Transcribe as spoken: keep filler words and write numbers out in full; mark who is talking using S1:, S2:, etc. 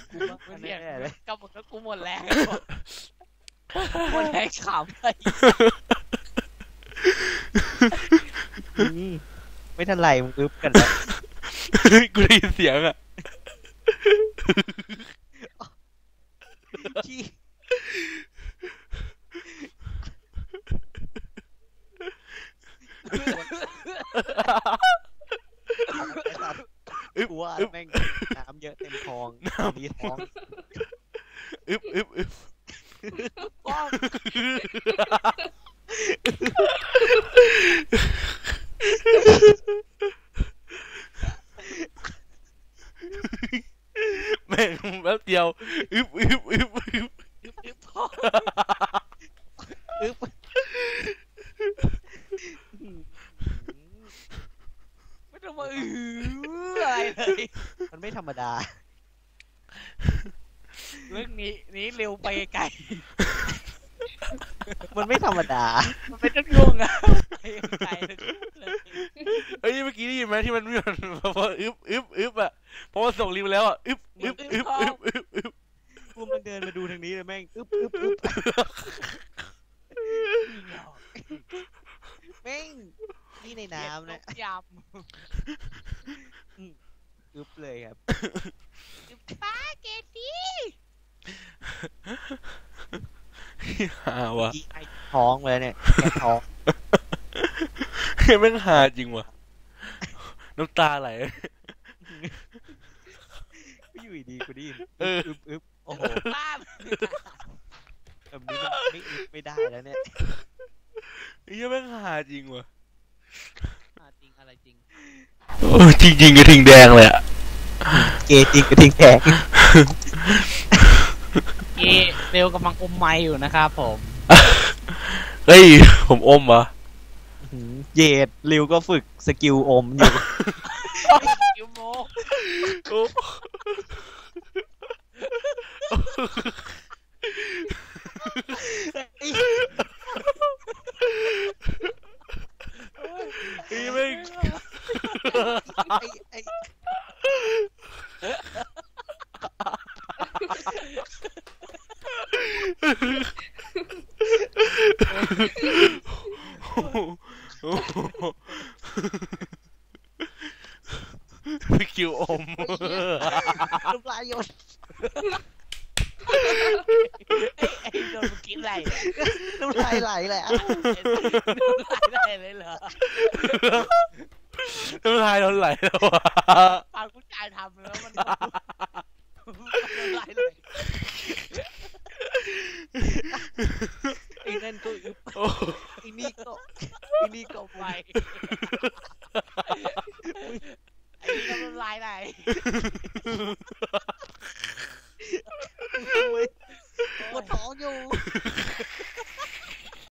S1: กูว่า
S2: มัน
S1: แน่
S2: เสียง
S1: ๆเลย
S2: กับมึงก็กูหมดแรงหมดแรงขำไป
S1: อืมไม่ทันไรมึงอึบกันแล้ว
S3: กูได้ยินเสียงอ่ะ
S1: ขี้ไอ้สัตว์กูว่าแม่งน้ำเยอะเต็มท้องมีท้อง
S3: อึบอึบอึบ
S2: ป้อง
S3: แม่งแป๊บเดียวอึบอึบอึบอึบ
S2: อึบอึบป้อง
S1: อึบ
S2: ไม่ต้องมาอื้ออะไรเลย
S1: มันไม่ธรรมดา
S2: เรื่องนี้นี้เร็วไปไกล
S1: มันไม่ธรรมดา
S2: มันไม่ต้องยุ่งอะไปไกลเลย
S3: เอ้ยเมื่อกี้ได้ยินไหมที่มันมีมันพออึบอึบอึบอ่ะเพราะว่าส่งลิงก์ไปแล้วอ่ะอึบอึบอึบอึบอึบอึบ
S1: กูมันเดินมาดูทางนี้เลยแม่งอึบอึบอึบแม่งนี่ในน้ำนะ
S2: ย
S1: อึบเลยครับ
S2: ำป้าเกตี้
S3: หาวะ
S1: ขี้ไอท้องเลยเนี่ยแกะท้อง
S3: แม่งหาจริงวะน้ำตาไหล
S1: ก็อยู่ดีกูได้ยิน
S3: เออ
S1: อึบอึบโอ้โห
S2: ป้า
S1: แบบนี้มันไม่อึบไม่ได้แล้วเนี่ย
S3: ไอ้เหี้ยแม่งหาจริงวะ
S2: จริงอะไรจริง
S3: โอ้จริงจริงกระทิงแดงเลยอ่ะ
S1: เกย์จริงกระทิงแขก
S2: เกเร็วกำลังอมไม้อยู่นะครับผม
S3: เฮ้ยผมอมวะ
S1: เยดริวก็ฝึกสกิลอมอยู่
S2: ยูโม
S3: โอ้
S1: ไอ้
S3: ไอ้แม่ง
S1: ไอ้ไอ้
S3: สกิลอม
S1: น้ำลายหยด
S2: ไอ้โดนมึงกินอะไรเนี่ย
S1: น้ำลายไหลแหละ
S2: ได้เลยเหรอ
S3: น้ำลายเราไหลแล้ววะ
S2: ฟังผู้ชายทำแล้วมันน้ำลายเลย
S1: ไอ้นั่นก็อึบ
S3: โอ้
S1: ไอ้นี่ก็ไอ้นี่ก็
S2: ไป
S1: ไป
S2: ไอ้นี่น้ำลายไหน